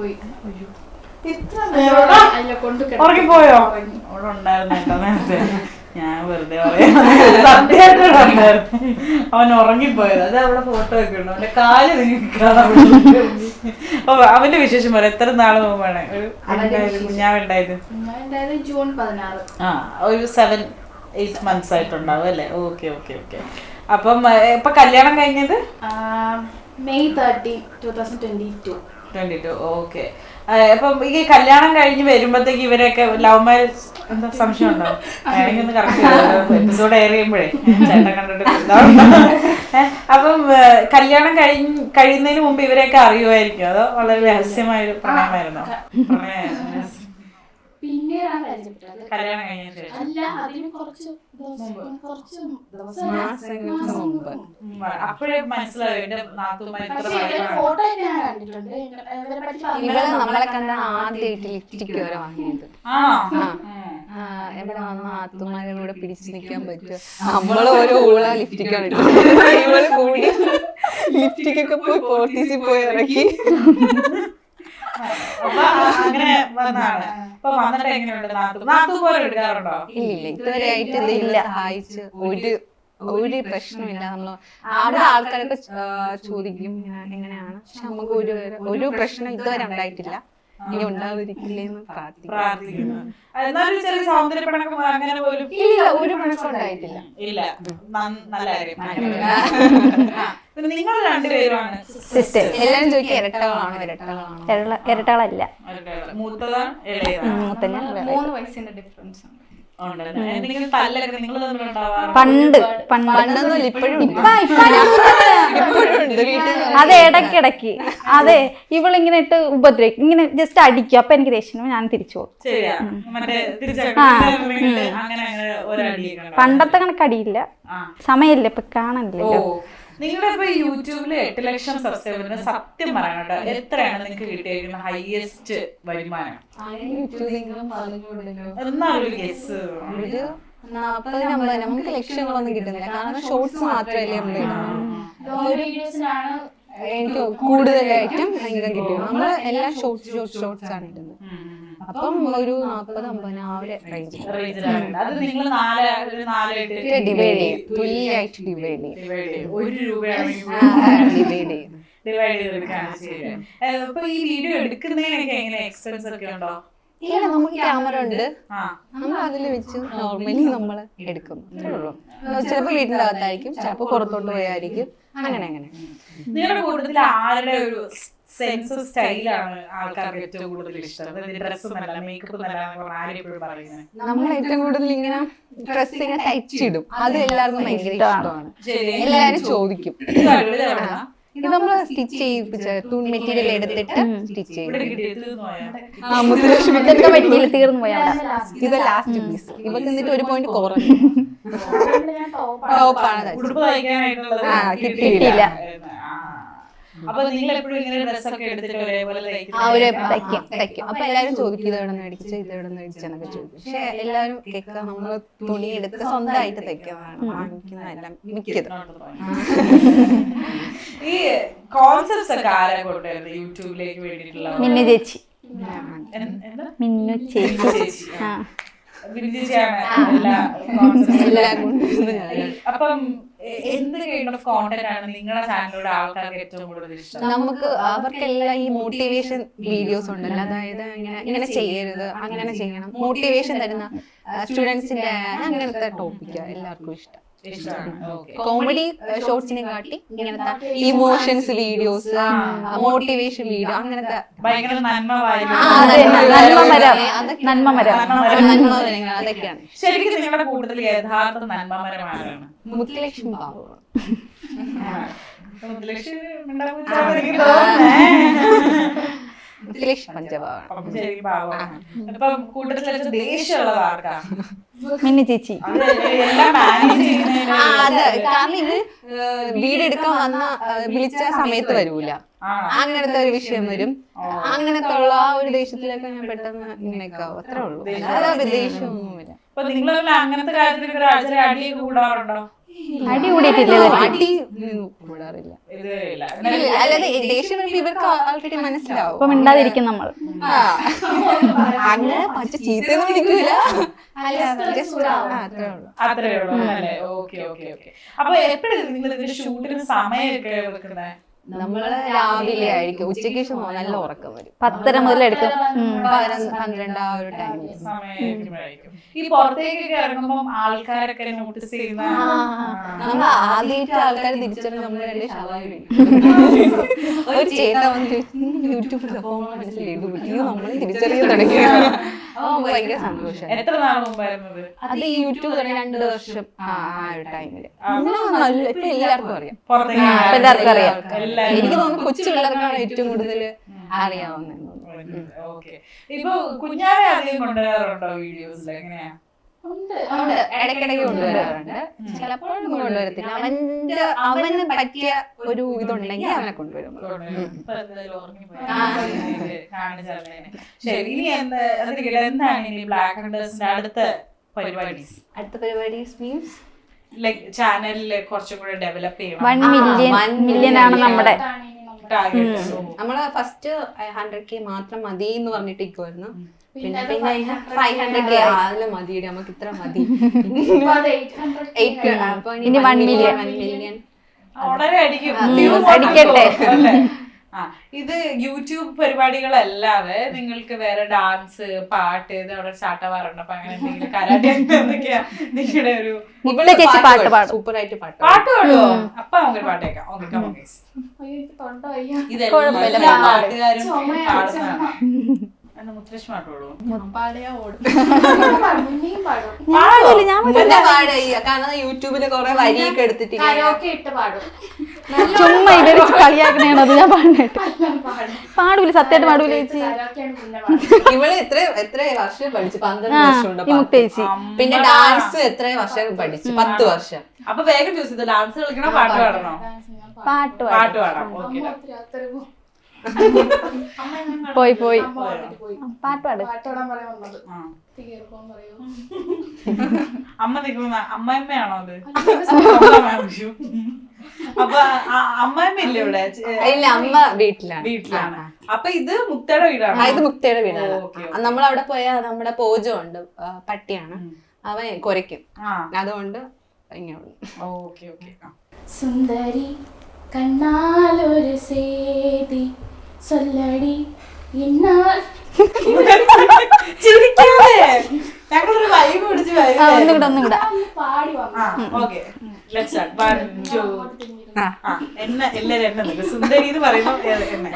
A: ഉറങ്ങിപ്പോയോ? അവിടെ ഉണ്ടായിരുന്നു കേട്ടോ നേരത്തെ. ഞാൻ വെറുതെ പറയാം, സത്യമായിട്ടുണ്ടായിരുന്നു. അവൻ ഉറങ്ങിപ്പോയത്. അത് അവിടെ ഫോട്ടോ ഒക്കെ ഉണ്ട്. അവന്റെ കാല് നിൽക്കണം. അവന്റെ വിശേഷം പറയാം. എത്ര നാള് മുമ്പാണ് ഒരു കുഞ്ഞാവുണ്ടായത്?
F: ജൂൺ പതിനാറ്.
A: ആ ഒരു സെവൻ എയ്റ്റ് മന്ത്സ് ആയിട്ടുണ്ടാവും അല്ലേ? Okay okay okay. അപ്പം ഇപ്പൊ കല്യാണം കഴിഞ്ഞത്
F: May thirty two thousand twenty two
A: twenty two okay. അപ്പം ഈ കല്യാണം കഴിഞ്ഞ് വരുമ്പോഴത്തേക്ക് ഇവരൊക്കെ ലവ് മാരേജ് എന്താ സംശയം ഉണ്ടോ? വേണമെങ്കിൽ ഒന്ന് കറക്റ്റ് എപ്പിസോഡ് എയർ ചെയ്യുമ്പോഴേ ചേട്ടൻ കണ്ടിട്ട്. അപ്പം കല്യാണം കഴിഞ്ഞ് കഴിയുന്നതിന് മുമ്പ് ഇവരെയൊക്കെ അറിയുമായിരിക്കും, അതോ വളരെ രഹസ്യമായൊരു പ്രണയമായിരുന്നോ? പ്രണയമായിരുന്നു
F: പിന്നീടാണ് പരിചയപ്പെട്ടത്.
A: കല്യാണം കഴിഞ്ഞ ശേഷം
F: അല്ല, അതിന് കുറച്ച് കുറച്ച്
A: അപ്പോഴേ മനസ്സിലായോ എന്റെ നാത്തുമാർ
F: ഫോട്ടോ ഞാൻ കണ്ടിട്ടുണ്ട്.
B: ഇവള് നമ്മളെ കണ്ട ആദ്യമായിട്ട് ലിപ്സ്റ്റിക് വരെ വാങ്ങിയത്.
A: ആണോ?
B: എവിടെ വന്ന ആത്തുമാരുടെ കൂടെ പിടിച്ചു നിൽക്കാൻ പറ്റുമോ, നമ്മള് ഓരോ ഊള ലിഫ്റ്റിക്കാണ് ഇവള് കൂടി ലിഫ്റ്റിക്കൊക്കെ പോയി പോർട്ടീസിൽ പോയി ഇറക്കി.
A: അപ്പൊ അങ്ങനെ വന്നാണ്. അപ്പൊ വന്നിട്ട് എങ്ങനെയുണ്ട്? നാത്തു നാത്തു പോലെ എടുക്കാറുണ്ടോ?
B: ഇല്ല ഇതുവരെ ആയിട്ട് ഇതില്ല സഹായിച്ച് ഒരു ഒരു പ്രശ്നമില്ല. നമ്മള് അവിടെ ആൾക്കാരൊക്കെ ചോദിക്കും എങ്ങനെയാണ്, പക്ഷെ നമുക്ക് ഒരു ഒരു പ്രശ്നം ഇതുവരെ ഉണ്ടായിട്ടില്ല. ഇനി ഉണ്ടാവാതിരിക്കില്ലേന്ന്
A: പ്രാർത്ഥിക്കുന്നു. എന്നാലും ചെറിയ സൗന്ദര്യപ്പണക്കം അങ്ങനെ പോലും
B: ഇല്ല, ഒരു പണക്കം ഉണ്ടായിട്ടില്ല.
A: ഇല്ല. നല്ല കാര്യം. നിങ്ങൾ രണ്ടുപേരുമാണ് സിസ്റ്റർ.
B: എല്ലാരും ചോദിക്കുക ഇരട്ടകളാണോ ഇരട്ടകളാണോ?
C: ഇരട്ടകളല്ല,
A: മൂത്തതാണ് ഇളയതാണ്.
C: മൂത്തന്നെ
F: മൂന്ന് വയസ്സിന്റെ ഡിഫറൻസ് ഉണ്ട്.
A: എന്തെങ്കിലും തല്ലൊക്കെ നിങ്ങൾ തമ്മിലുണ്ടാവാറ്?
C: പണ്ട് പണ്ട്
B: പണ്ടൊന്നും ഇപ്പോഴും
C: ഇപ്പൊ ഇപ്പൊ അതെ ഇടയ്ക്കിടയ്ക്ക് അതെ ഇവളിങ്ങനെ ഇട്ട് ഉപദ്രവിക്കും, ഇങ്ങനെ ജസ്റ്റ് അടിക്കും. അപ്പൊ എനിക്ക് ദേഷ്യം, ഞാൻ തിരിച്ചു പോകും.
A: ശരിയാ, മറ്റേ അങ്ങനെ അങ്ങനെ ഒരടിയൊക്കെ.
C: പണ്ടത്തെ കണക്കടിയില്ല, സമയമില്ല ഇപ്പൊ കാണാനില്ല.
A: നിങ്ങളുടെ ഇപ്പൊ യൂട്യൂബില് എട്ട് ലക്ഷം സബ്സ്ക്രൈബറിന് സത്യം പറയാനോട്ടോ എത്രയാണ് നിങ്ങൾക്ക് കിട്ടിയിരിക്കുന്ന ഹൈയസ്റ്റ് വരുമാനം? എന്നാ ഒരു ഗസ്.
B: ഒരു നാപ്പത് അമ്പത് നമുക്ക് ലക്ഷങ്ങളൊന്നും കിട്ടുന്നില്ല, കാരണം ഷോർട്സ് മാത്രമല്ലേ നമ്മൾ ഇടുന്നത്.
F: ഒരു വീഡിയോസിനാണ്
B: എനിക്ക് കൂടുതലായിട്ടും ഇൻകം കിട്ടും. നമ്മള് എല്ലാം ഷോർട്സ് ഷോർട്സ് ഷോർട്സ് ആണ് ഇടുന്നത്. അപ്പം ഒരു നാപ്പത് അമ്പത് ആ ഒരു റേഞ്ച്
A: അത് നിങ്ങൾ നാല് നാലായിട്ട്
B: ഡിവൈഡ് ചെയ്യും, തുല്യമായിട്ട് ഡിവൈഡ് ചെയ്യും.
A: ഒരു രൂപയാണ്
B: ഡിവൈഡ് ചെയ്യും
A: ഡിവൈഡ് ചെയ്തെടുക്കാണ് ശരി. അപ്പൊ ഈ വീഡിയോ എടുക്കുന്നതിനൊക്കെ എങ്ങനെ എക്സ്പെൻസ് ഒക്കെ ഉണ്ടോ?
B: ഇല്ല, നമുക്ക് ക്യാമറ ഉണ്ട്, നമ്മൾ അതിൽ വെച്ച് നോർമലി നമ്മൾ എടുക്കും. ചിലപ്പോ വീടിന്റെ അകത്തായിരിക്കും, ചിലപ്പോ പുറത്തോട്ട് പോയായിരിക്കും, അങ്ങനെ അങ്ങനെ.
A: നിങ്ങളുടെ കൂടുതൽ ആരുടെ ഒരു സെൻസ് സ്റ്റൈലാണ് ആൾക്കാർക്ക് ഏറ്റവും കൂടുതൽ ഇഷ്ടം? ഡ്രസ്സ് നല്ല മേക്കപ്പ് നല്ല ആരും എപ്പോഴും പറയുന്നത്.
B: നമ്മൾ ഏറ്റവും കൂടുതൽ ഇങ്ങനെ ഡ്രസ് ഇങ്ങനെ തയ്ച്ചിടും, അത് എല്ലാവർക്കും ഭയങ്കര ഇഷ്ടമാണ്. എല്ലാരും ചോദിക്കും. ഇത് നമ്മള് സ്റ്റിച്ച് ചെയ്യിപ്പിച്ച തുണി മെറ്റീരിയൽ എടുത്തിട്ട് സ്റ്റിച്ച് ചെയ്യും.
C: മെറ്റീരിയൽ തീർന്നു പോയാ
B: ഇത് ലാസ്റ്റ് പീസ്. ഇവക്ക് എന്നിട്ട് ഒരു പോയിന്റ് കുറഞ്ഞു. ടോപ്പാണ്
C: കിട്ടിയില്ല.
A: അപ്പൊ നിങ്ങൾ എപ്പോഴും ഇങ്ങനെ ഡ്രസ്സൊക്കെ എടുത്തിട്ട് ഒരേപോലെ
B: തയ്ക്കും തയ്ക്കും. അപ്പൊ എല്ലാരും ചോദിക്കും ഇത് എവിടെ നിന്ന് മേടിച്ച ഇത് എവിടെ നിന്ന് മേടിച്ചെന്നൊക്കെ ചോദിക്കും. പക്ഷെ എല്ലാരും കേൾക്കുക നമ്മള് തുണി എടുത്ത് സ്വന്തമായിട്ട് തയ്ക്കുന്നതാണ് വാങ്ങിക്കുന്നതെല്ലാം മിക്കതും.
A: ഈ കോൺസെപ്റ്റ്സ് ഒക്കെ ആരെ കൊണ്ടുവരുന്നത് യൂട്യൂബിലേക്ക് വേണ്ടിയിട്ടുള്ള?
C: മിന്നു ചേച്ചി. മിന്നു
A: ചേച്ചി
C: ചേച്ചി ആ
A: അപ്പം എന്ത് കൈൻഡ് ഓഫ് കോണ്ടന്റ് ആണ് നിങ്ങളുടെ ചാനലിലൂടെ ആൾക്കാർക്ക് ഏറ്റവും കൂടുതൽ ഇഷ്ടം?
B: നമുക്ക് അവർക്കെല്ലാം ഈ മോട്ടിവേഷൻ വീഡിയോസ് ഉണ്ടല്ലോ, അതായത് ഇങ്ങനെ ഇങ്ങനെ ചെയ്യരുത്, അങ്ങനെ ചെയ്യണം, മോട്ടിവേഷൻ തരുന്ന സ്റ്റുഡൻസിന്റെ അങ്ങനത്തെ ടോപ്പിക്കാ എല്ലാവർക്കും ഇഷ്ടം. കോമഡി ഷോർട്സിനെ കാട്ടി ഇങ്ങനത്തെ ഇമോഷൻസ് വീഡിയോസ്, മോട്ടിവേഷൻ വീഡിയോ, അങ്ങനത്തെ
A: ഭയങ്കര നന്മമരം
B: അതൊക്കെയാണ്.
A: ശരിക്കും നിങ്ങളുടെ കൂടുതൽ യഥാർത്ഥ നന്മമരമാണ്
B: മുത്തുലക്ഷ്മി ബാബു. മുത്തുലക്ഷ്മി പഞ്ചഭാവാണ്.
A: ഇപ്പം കൂട്ടത്തിൽ ദേഷ്യമുള്ളത് ആർക്കാ?
C: മിന്നു ചേച്ചി.
B: അതെ, കാരണം ഇത് വീടെടുക്കാൻ വന്ന വിളിച്ച സമയത്ത് വരൂല, അങ്ങനത്തെ ഒരു വിഷയം വരും. അങ്ങനത്തെ ഉള്ള ആ ഒരു ദേഷ്യത്തിലൊക്കെ ഞാൻ പെട്ടെന്ന് ഇങ്ങനെയൊക്കെ ആവും, അത്രേ ഉള്ളൂ. അതാ ദേഷ്യമൊന്നുമില്ല.
A: അപ്പൊ നിങ്ങൾ അങ്ങനത്തെ കാര്യത്തിൽ അടിയൊക്കെ കൂടാറുണ്ടോ?
C: അടി കൂടിയിട്ടില്ല,
B: അടി കൂടാറില്ല. അല്ലാതെ ദേഷ്യം ഇവർക്ക് ആൾറെഡി മനസ്സിലാവും,
C: ഇപ്പൊ മിണ്ടാതിരിക്കും നമ്മൾ.
B: അങ്ങനെ പച്ച ചീത്തൊന്നും വിളിക്കൂല,
A: അത്രേ ഉള്ളൂ അല്ലേ? Okay okay okay. അപ്പൊ എപ്പോഴും നിങ്ങൾ ഇതിന്റെ ഷൂട്ടിന് സമയമൊക്കെ വെക്കുന്നത്?
B: നമ്മള് രാവിലെ ആയിരിക്കും, ഉച്ചയ്ക്ക് ശേഷം നല്ല ഉറക്കം വരും.
C: പത്തര മുതൽ എടുക്കും,
B: പന്ത്രണ്ട് ആ ഒരു ടൈമിൽ
A: സമയമായിരിക്കും. ഈ പുറത്തേക്കൊക്കെ ഇറങ്ങുമ്പോൾ ആൾക്കാരൊക്കെ നോട്ടീസ് ചെയ്യുന്ന
B: നമ്മൾ ആദ്യമായിട്ട് ആൾക്കാർ തിരിച്ചറിഞ്ഞ് നമ്മൾ രണ്ട് ഷവായി ഒരു ചേട്ട വന്ന് യൂട്യൂബിൽ നമ്മൾ തിരിച്ചറിയാൻ തുടങ്ങി. അപ്പൊ ഭയങ്കര സന്തോഷം.
A: എത്ര നാൾ മുമ്പായിരുന്നത്
B: അത്? ഈ യൂട്യൂബ് തുടങ്ങി രണ്ട് വർഷം ആ ഒരു ടൈമില്. നല്ല ഇപ്പൊ എല്ലാവർക്കും അറിയാം,
C: എല്ലാവർക്കും അറിയാം.
B: എനിക്ക് തോന്നുന്നു കൊച്ചു പിള്ളേർക്കാണ് ഏറ്റവും കൂടുതൽ അറിയാവുന്നത്.
A: ഇപ്പൊ കുഞ്ഞാവെ അധികം കൊണ്ടുവരാറുണ്ടോ വീഡിയോസിൽ? എങ്ങനെയാ?
F: ഉണ്ട്
B: ഉണ്ട്, ഇടയ്ക്കിടയ്ക്ക് കൊണ്ടുവരാറുണ്ട്. ചിലപ്പോഴൊന്നും കൊണ്ടുവരത്തില്ല. അവന്റെ അവന് പറ്റിയ ഒരു ഇതുണ്ടെങ്കിൽ അവനെ കൊണ്ടുവരും.
A: ഇപ്പൊ എന്തായാലും ഉറങ്ങിപ്പോയി. കാണിച്ചറിഞ്ഞേനെ. ശരി, ഇനി എന്താ എന്തൊക്കെയാ എന്താണ് ഇനി ബ്ലാക്ക് ഹണ്ടേഴ്സിന്റെ അടുത്ത പരിപാടി?
B: അടുത്ത പരിപാടി മീൻസ്
A: ലൈക് ചാനലില് കുറച്ചും കൂടെ ഡെവലപ്പ് ചെയ്യണം.
C: വൺ മില്യൺ മില്യൺ ആണ് നമ്മുടെ
A: ടാർഗറ്റ്.
B: നമ്മള് ഫസ്റ്റ് ഹൺഡ്രഡ് കെ മാത്രം മതി എന്ന് പറഞ്ഞിട്ട് ഇരിക്കുമായിരുന്നു. പിന്നെ പിന്നെ ഫൈവ് ഹൺഡ്രഡ് കെ അതില് മതി, നമുക്ക് ഇത്ര മതി.
C: ഇനി one million.
B: മില്യൺ
A: വളരെ അടിക്കും.
C: അടിക്കട്ടെ.
A: അല്ലേ? ആ, ഇത് യൂട്യൂബ് പരിപാടികളല്ലാതെ നിങ്ങൾക്ക് വേറെ ഡാൻസ്, പാട്ട്, ഇത് അവിടെ ചാട്ടവാറുണ്ട്, അപ്പൊ അങ്ങനെ എന്തെങ്കിലും കരാട്ടെ എന്തൊക്കെയാ നിങ്ങളുടെ ഒരു
C: മുകളിലെ ചേച്ചി പാട്ട് പാടും.
B: സൂപ്പർ ആയിട്ട് പാട്ട്
A: പാട്ട് പാടുവോ? അപ്പൊ നമുക്ക് പാട്ട് കേൾക്കാം. Okay, come on guys.
F: തൊണ്ട വയ്യ.
A: ഇതെല്ലാം പാട്ടുകാരും പാടുന്നതാണ്. എന്നാ മുത്തലക്ഷ്മി പാട്ടോളൂ.
F: പാടിയാ ഓടും. മുന്നെയും പാടും.
C: ഞാനില്ല, ഞാൻ
B: പിന്നെ പാട്. കാരണം യൂട്യൂബില് കൊറേ വരിയൊക്കെ എടുത്തിട്ട്
F: കരോക്കെ ഇട്ട് പാടും.
C: ചുമ്മാ ഇവര് കളിയാക്കണേണോ അത് ഞാൻ പാടിട്ട്
F: പാടും.
C: പാടൂല, സത്യമായിട്ട് പാടൂല ചേച്ചി.
F: കരോക്കെയാണ് പിന്നെ പാടും.
B: ഇവള് എത്ര എത്ര വർഷം പഠിച്ചു? പന്ത്രണ്ട്
C: ആ
B: വർഷം ഉണ്ട്
C: ഈ മുക്ത ചേച്ചി.
B: പിന്നെ ഡാൻസ് എത്ര വർഷം പഠിച്ചു? പത്ത് വർഷം.
A: അപ്പൊ വേഗം ചൂസ് ചെയ്ത് ഡാൻസ് കളിക്കണോ പാട്ട് പാടണോ?
C: പാട്ട് പാടും.
A: പാട്ട് പാടാം. ഓക്കെ,
C: പോയി പോയി
F: അമ്മ വന്നിട്ട് പോയി.
C: പാട്ട് പാട്.
F: പാട്ടോടാൻ പറയാൻ വന്നത്. തീർപ്പം പറയൂ.
A: അമ്മ നിൽക്കുന്ന അമ്മായിമ്മയാണോ അത്? അപ്പൊ അമ്മായിമ്മ ഇല്ലേ ഇവിടെ?
B: ഇല്ല, അമ്മ വീട്ടിലാണ്.
A: വീട്ടിലാണ്. അപ്പൊ ഇത് മുക്തയുടെ വീടാണ്.
B: ആ, ഇത് മുക്തയുടെ വീടാണ്.
A: ഓക്കെ,
B: നമ്മൾ അവിടെ പോയാൽ നമ്മുടെ പോജോ ഉണ്ട്, പട്ടിയാണ്, അവൻ കുരയ്ക്കും. അതുകൊണ്ട് ഇങ്ങനെ.
A: Okay okay.
F: സുന്ദരി കണ്ണാലൊരു സേതി സൊല്ലടി എന്നാൽ
A: ചിരിക്കാതെ ഞങ്ങളൊരു വൈബ് പിടിച്ച്
C: ആ, ഒന്നും കൂടെ ഒന്നും കൂടെ
F: പാടി വന്നു.
A: Okay, let's start. One two. ആ, എന്നെ എല്ലാരും എന്നെ നിൽക്കും. സുന്ദരി എന്ന് പറയുമ്പോ എന്നെ.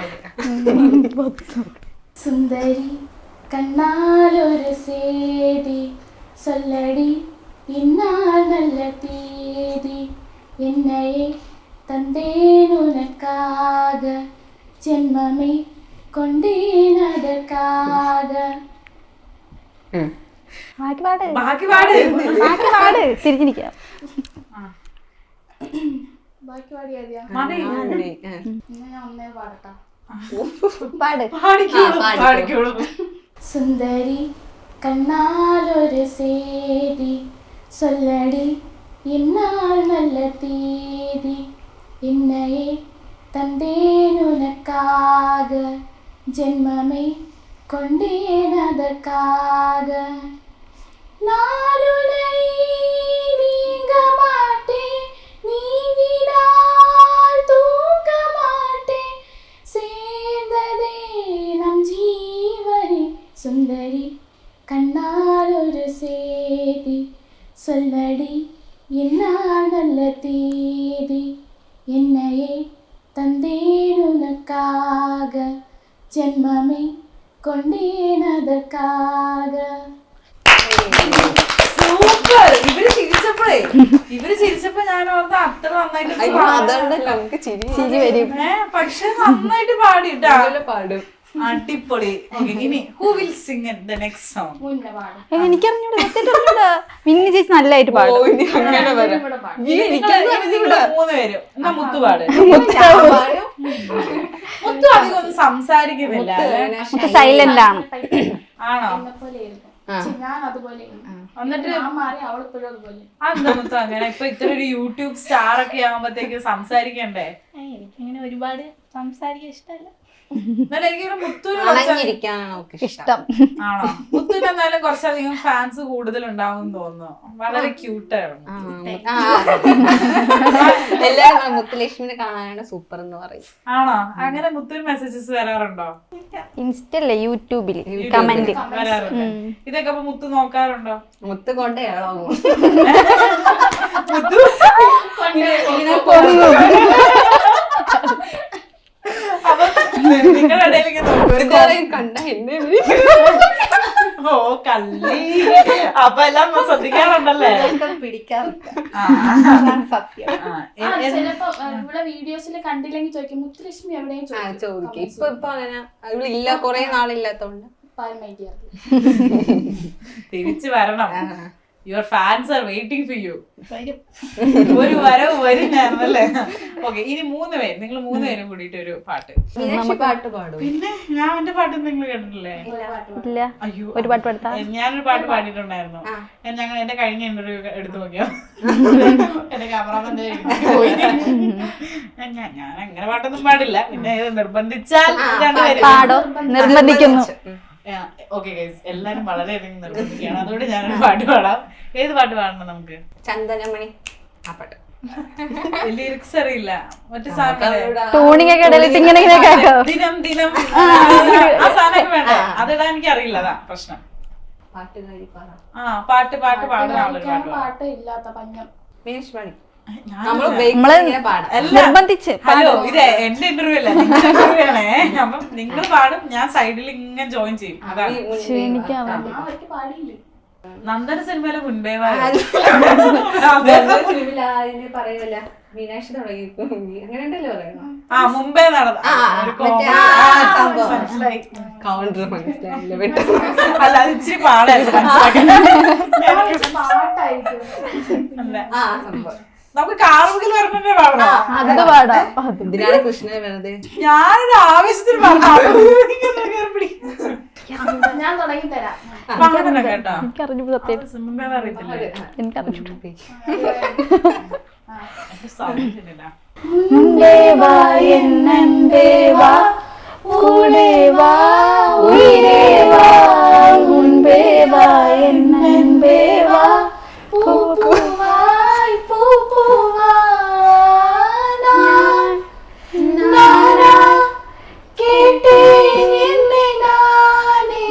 F: സുന്ദരി കണ്ണാലൊരു സേതി സൊല്ലടി എന്നാൽ നല്ല തീയതി என்னையே தந்தேன் உனக்காக ஜென்மமே கொண்டேன் அதற்காக.
C: ബാക്കി പാട്
A: ബാക്കി പാട്.
C: ബാക്കി പാട് തിരിഞ്ഞിരിക്കാം.
F: ബാക്കി പാടിയാ
A: മതി.
F: ഞാൻ ഒന്നേ പാടട്ടാ.
C: പാട്.
A: പാടിക്കോളൂ, പാടിക്കോളൂ.
F: സുന്ദരി കണ്ണാലൊരു സേതി സൊല്ലടി എന്നാൽ നല്ല തീയതി என்னையே தந்தேன் உனக்காக ஜென்மமே கொண்டேன் அதற்காக. நாளுனை நீங்க மாட்டேன், நீங்கினால் தூங்க மாட்டேன், சேர்ந்ததே நம் ஜீவனே. சுந்தரி கண்ணால் ஒரு சேதி சொல்லடி എന്നാൽ നല്ല തീയതി என்னையே തந்தേൻ ഉനക്കാക ജന്മമേ കൊണ്ടേൻ അതற்காக.
A: സൂപ്പർ. ഇവര് ചിരിച്ചപ്പോഴേ ഇവര് ചിരിച്ചപ്പോ ഞാൻ ഓർത്ത അത്ര നന്നായിട്ട്
B: അതുകൊണ്ടല്ല നമുക്ക് ചിരി
C: ചിരി വരും.
A: പക്ഷെ നന്നായിട്ട് പാടിട്ടാ.
B: പാടും.
A: അടിപൊളി. Okay, ഇനി who will sing in the next song?
F: മുന്നേ പാടും.
C: എനിക്കറിഞ്ഞൂടാ, സത്യമായിട്ട് അറിഞ്ഞൂടാ. മിന്നി ചേച്ചി നല്ലതായിട്ട് പാടും.
B: അങ്ങനെ വരാം.
F: ഇവിടെ പാടും.
A: നിങ്ങള് മൂന്ന് പേരും എന്നാ മുത്തു പാട്. മുത്തു അധികം ഒന്നും സംസാരിക്കുന്നില്ല അല്ലേ?
C: സൈലന്റ് ആണ്.
A: ആണോ?
F: എന്നെപ്പോലെയായിരുന്നു. പക്ഷെ ഞാൻ അതുപോലെ
A: എന്നിട്ട്
F: ഞാൻ മാറി അവളിപ്പോഴും അതുപോലെ.
A: അതെന്താ മുത്തു അങ്ങനെ? ഇപ്പൊ ഇത്ര ഒരു യൂട്യൂബ് സ്റ്റാർ ഒക്കെ ആവുമ്പത്തേക്ക് സംസാരിക്കണ്ടേ?
F: എനിക്കിങ്ങനെ ഒരുപാട് സംസാരിക്കാൻ ഇഷ്ടമല്ല.
A: എന്നാലും എനിക്കൊരു മുത്തുവിന് കുറച്ച്
B: അണഞ്ഞിരിക്കാനാണ് നമുക്ക് ഇഷ്ടം.
C: ഇഷ്ടം.
A: ആണോ? മുത്തുവിന് എന്നാലും കുറച്ചധികം ഫാൻസ് കൂടുതൽ ഉണ്ടാവും തോന്നുന്നു. വളരെ ക്യൂട്ടാണ്.
B: ആ, എല്ലാരും മുത്തുലക്ഷ്മിനെ കാണാനാണ് സൂപ്പർ എന്ന് പറയും.
A: ആണോ? അങ്ങനെ മുത്തുവിന് മെസ്സേജസ് വരാറുണ്ടോ?
C: ഇൻസ്റ്റല്ലേ, യൂട്യൂബിൽ കമന്റ്
A: വരാറുണ്ട്. ഇതൊക്കെ അപ്പൊ മുത്തു നോക്കാറുണ്ടോ?
B: മുത്ത് കൊണ്ടേ ഇളകും.
A: മുത്തു അപ്പൊ നിങ്ങളുടെ ഇടയിൽ ഇങ്ങനെ നോക്കും.
B: കണ്ട എന്നെ
A: ഓ കള്ളി. അപ്പൊ എല്ലാം ശ്രദ്ധിക്കാറുണ്ടല്ലേ?
F: പിടിക്കാറില്ല.
A: ആ,
C: സത്യം.
A: ആ.
F: ആ, ചിലപ്പോ ഇവിടെ വീഡിയോസിൽ കണ്ടില്ലെങ്കിൽ ചോദിക്കും മുത്തുലക്ഷ്മി എവിടെയും
B: ചോദിക്കും. ഇപ്പൊ ഇപ്പൊ അങ്ങനെ ഇല്ല, കൊറേ നാളില്ലാത്തോണ്ട്
F: പാൽ മേടിക്കാറില്ല.
A: തിരിച്ചു വരണം. Your fans are waiting for you. ഒരു വരവ് വരുന്നല്ലേ. ഓക്കെ, ഇനി മൂന്ന് പേര്, നിങ്ങൾ മൂന്ന് പേരും കൂടിയിട്ട് ഒരു പാട്ട്.
B: മീനാക്ഷി പാട്ട് പാടും.
A: പിന്നെ ഞാൻ എന്റെ പാട്ട് നിങ്ങൾ കേട്ടിട്ടില്ലേ?
C: ഇല്ല.
A: അയ്യോ,
C: ഒരു പാട്ട് പാടുത്താ.
A: ഞാനൊരു പാട്ട് പാടിയിട്ടുണ്ടായിരുന്നു. ഞങ്ങൾ എന്റെ കഴിഞ്ഞ ഇന്റർവ്യൂ എടുത്തു നോക്കിയോ, എന്റെ ക്യാമറാമാൻ പോയി. ഞാൻ ഞാൻ അങ്ങനെ പാട്ടൊന്നും പാടില്ല. പിന്നെ ഇത് നിർബന്ധിച്ചാൽ രണ്ടുപേരും
C: പാടോ, നിർബന്ധിക്കുന്നു.
A: ഓക്കെ ഗൈസ്, എല്ലാരും വളരെയധികം നിർബന്ധിക്കുകയാണ്. അതുകൊണ്ട് ഞാനൊരു പാട്ട് പാടാം. ഏത് പാട്ട് പാടണം നമുക്ക്?
B: ചന്ദനമണി ആ പാട്ട്.
A: ലിറിക്സ് അറിയില്ല. മറ്റേ സാധനം
C: ടൂണിങ് ഒക്കെ ഇടയിലിട്ട് ഇങ്ങനെ ഇങ്ങനെ കേട്ടോ.
A: ദിനം ദിനം ആ സാധനമൊക്കെ വേണ്ടേ? അതിടാൻ എനിക്ക് അറിയില്ല, അതാ പ്രശ്നം.
B: പാട്ടുകാരി പറ.
A: ആ പാട്ട് പാട്ട് പാടുന്ന ആളൊരു പാട്ട് പാടാം.
F: പാട്ട് ഇല്ലാത്ത പഞ്ഞം.
B: മീനാക്ഷി പാടി.
A: ഞാൻ
B: നമ്മള്
C: നമ്മള്
B: ഇങ്ങനെ പാടാം.
A: അല്ല,
C: നിർബന്ധിച്ച്
A: ഹലോ, ഇത് എന്റെ ഇന്റർവ്യൂ അല്ല, നിങ്ങളുടെ ഇന്റർവ്യൂ ആണേ. അപ്പം നിങ്ങൾ പാടും, ഞാൻ സൈഡിൽ ഇങ്ങനെ ജോയിൻ ചെയ്യും. അതാണ്.
C: ക്ഷീണിക്കാൻ
F: ആ അവർക്ക് പാടിയില്ലേ?
A: നന്ദന സിനിമയിലെ മുൻപേ
B: പറയല്ല മീനാക്ഷി തുടങ്ങി അങ്ങനെ ഉണ്ടല്ലോ പറയണം.
A: ആ മുമ്പേ നടന്ന
B: ആ,
A: ഒരു
B: മറ്റേ
A: comedy.
B: ആ
A: ആ,
B: സംഭവം.
A: മനസ്സിലായി.
B: കൗണ്ടർ മനസ്സിലായില്ല വിട്ടു.
A: അല്ല, അത് ഇച്ചിരി പാടായിരുന്നു മനസ്സിലാക്കാൻ.
F: പാട്ടായിരിക്കും.
A: അല്ല,
B: ആ സംഭവം.
A: നമുക്ക് കാറുകിൽ വരണേ പാടണോ?
C: അത് പാടാം. അത്
B: ഇതിനാണ് കൃഷ്ണനെ വെറുതെ
A: ഞാനൊരു ആവശ്യത്തിന് പറഞ്ഞു. കേറി പിടി.
F: ഞാൻ തുടങ്ങി തരാം.
A: പാടണം കേട്ടോ.
C: എനിക്കറിഞ്ഞു സത്യം.
A: മുമ്പേ അറിയത്തില്ല.
C: എനിക്കറിഞ്ഞു.
A: സാധിച്ചിട്ടില്ല.
C: മുൻപേ വാ എന്നൻപേ വാ, കൂടെ വാ ഉയിരേ വാ, മുൻപേ വാ എന്നൻപേ വാ,
F: പൂവായി പൂവാ ഞാൻ നാനാ കേട്ടേൻ എന്നെ നാനേ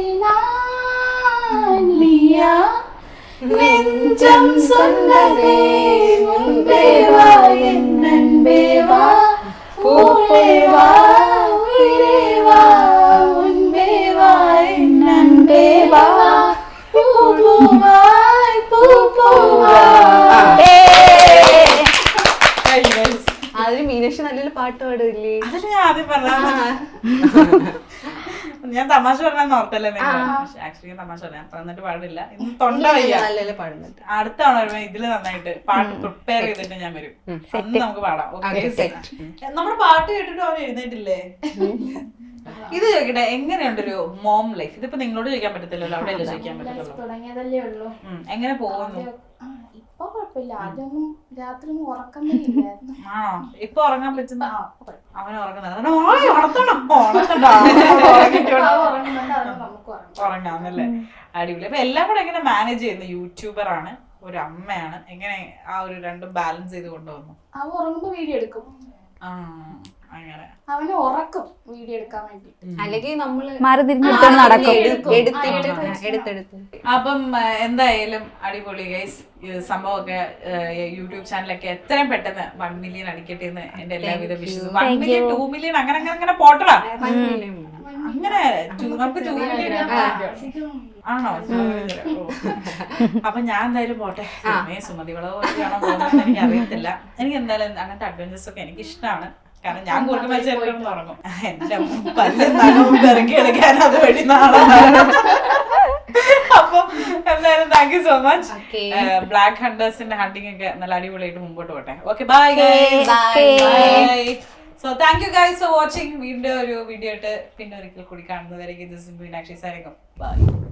F: നാനിയാ നെഞ്ചം சொன்னதே முன்பே வா என் அன்பே வா பூவே வா உயிரே வா முன்பே வா என் அன்பே வா பூ பூவாய் பூ பூவா.
B: അതിന് മീനാക്ഷി നല്ലൊരു പാട്ട് പാടില്ലേ?
A: അതില് ഞാൻ ആദ്യം പറഞ്ഞ ഞാൻ തമാശ പറഞ്ഞാൽ ഓർത്തല്ലേ നിങ്ങൾ. ആക്ച്വലി തമാശ പറയാം, അപ്പൊ എന്നിട്ട് പാടില്ല. ഇന്ന് തൊണ്ട വയ്യ.
B: നല്ലല്ലേ പാടുന്നുണ്ട്.
A: അടുത്ത തവണ വരുമ്പോ ഇതില് നന്നായിട്ട് പാട്ട് പ്രിപ്പയർ ചെയ്തിട്ട് ഞാൻ വരും. അന്ന് നമുക്ക് പാടാം. നമ്മുടെ പാട്ട് കേട്ടിട്ട് അവൻ എഴുന്നേറ്റില്ലേ? ഇത് ചോദിക്കട്ടെ, എങ്ങനെയുണ്ടൊരു മോം ലൈഫ്? ഇതിപ്പോ നിങ്ങളോട് ചോദിക്കാൻ പറ്റത്തില്ലല്ലോ, അവിടെ അല്ലേ ചോദിക്കാൻ പറ്റത്തുള്ളൂ.
F: തുടങ്ങിയതല്ലേ ഉള്ളൂ.
A: എങ്ങനെ പോകുന്നു?
F: ആ, ഇപ്പൊ കുഴപ്പമില്ല. ആദ്യമൊന്നും രാത്രി ഒന്നും ഉറക്കമേ ഇല്ലായിരുന്നു.
A: ആണോ? ഇപ്പൊ ഉറങ്ങാൻ പറ്റുന്ന
F: ആ, കുഴപ്പമില്ല.
A: അവന് ഉറങ്ങുന്നത് ഉണർത്തണം. ഉണർത്തണ്ട.
F: അത് ഉറങ്ങുന്നുണ്ട്, അത് നമുക്ക് ഉറങ്ങാം.
A: ഉറങ്ങാന്നല്ലേ? അടിപൊളി. അപ്പൊ എല്ലാം കൂടെ എങ്ങനെ മാനേജ് ചെയ്യുന്നു? യൂട്യൂബർ ആണ്, ഒരു അമ്മയാണ്, എങ്ങനെ ആ ഒരു രണ്ടും ബാലൻസ് ചെയ്ത് കൊണ്ടുവന്നു?
F: അവ ഉറങ്ങുമ്പോ വീഡിയോ എടുക്കും.
A: ആ, അങ്ങനെ
F: അവനെ ഉറക്കും വീഡിയോ എടുക്കാൻ വേണ്ടി.
B: അല്ലെങ്കിൽ നമ്മള്
C: മാറി തിരിഞ്ഞെടുത്തോണ്ട് നടക്കും.
B: എടുത്തെടുത്ത് എടുത്തെടുത്ത്
A: അപ്പം ആ, എന്തായാലും അടിപൊളി ഗൈസ്. സംഭവമൊക്കെ യൂട്യൂബ് ചാനലൊക്കെ എത്രയും പെട്ടെന്ന് വൺ മില്യൺ അടിക്കട്ടെ എന്ന് എന്റെ എല്ലാവിധ വിശ്വസിക്കും. വൺ മില്യൺ ടു മില്യൺ അങ്ങനെ അങ്ങനെ അങ്ങനെ പോട്ടടാ. അങ്ങനെ two- നമുക്ക് ടു മില്യൺ ആണോ? ഓ. അപ്പൊ ഞാൻ എന്തായാലും പോട്ടെ. സുമേ സുമതി വളവൊക്കെയാണോ പോകുന്നത് എനിക്ക് അറിയത്തില്ല. എനിക്ക് എന്തായാലും അങ്ങനത്തെ അഡ്വഞ്ചേഴ്സ് ഒക്കെ എനിക്ക് ഇഷ്ടമാണ്. കാരണം ഞാൻ കൂടുതൽ മത്സരം തുടങ്ങും. എന്റെ പല്ലും നഖവും ഇറക്കി എടുക്കാൻ അത് വഴി നാളെ. അപ്പൊ എന്തായാലും thank you so much. Black ഹണ്ടേഴ്സിന്റെ ഹണ്ടിങ് ഒക്കെ നല്ല അടിപൊളിയായിട്ട് മുമ്പോട്ട് പോട്ടെ. Okay, bye bye. So thank you guys for watching. വീണ്ടും ഒരു വീഡിയോ ആയിട്ട് പിന്നെ ഒരിക്കൽ കൂടി കാണുന്നവരേക്കും. This is Meenakshi signing off. By.